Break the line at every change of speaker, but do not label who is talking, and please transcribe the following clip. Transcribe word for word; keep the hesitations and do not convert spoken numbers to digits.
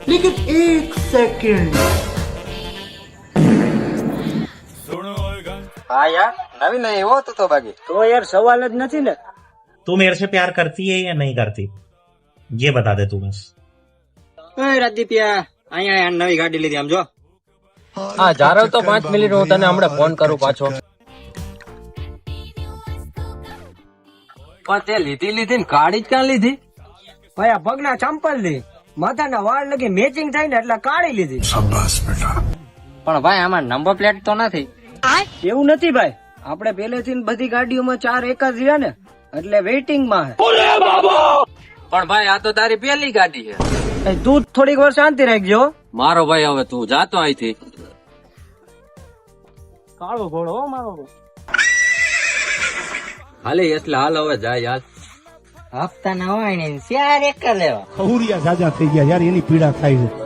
लेकिन एक सेकंड
हाँ यार नवीन नहीं वो तो तो बाकी
તો યાર સવાલ જ નથી ને.
तू मेरे से प्यार करती है या नहीं करती, ये बता दे तू बस.
ઓય રાજદીપિયા, અહીંયા યાર નવી ગાડી લીધી આમ જો.
હા જારવ તો પાંચ મિનિટ હું તને હમણાં ફોન કરું પાછો. પણ તે લીધી લીધી ને કાઢી જ ક્યાં લીધી?
ભાઈ આ પગના ચંપલ લી માથાના વાળ લગી મેચિંગ થાય ને એટલે કાઢી લીધી.
પણ ભાઈ આમાં નંબર પ્લેટ તો નથી.
એવું નથી ભાઈ, આપણે પહેલેથી જ બધી ગાડીઓમાં ચાર એક જ રહ્યા ને એટલે વેઇટિંગ માં હે.
પણ ભાઈ આ તો તારી પહેલી ગાડી છે.
એ તું જ થોડીક વાર શાંતિ રાખજો.
મારો ભાઈ હવે તું જાતો અહીંથી.
કાળો ઘોડો હો મારો.
હાલે એટલે હાલ હવે જાય હાલ.
હપ્તા ના હોય ને ચાર એક જ લેવા.
ખહુરિયા જાજા થઈ ગયા યાર, એની પીડા થાય છે.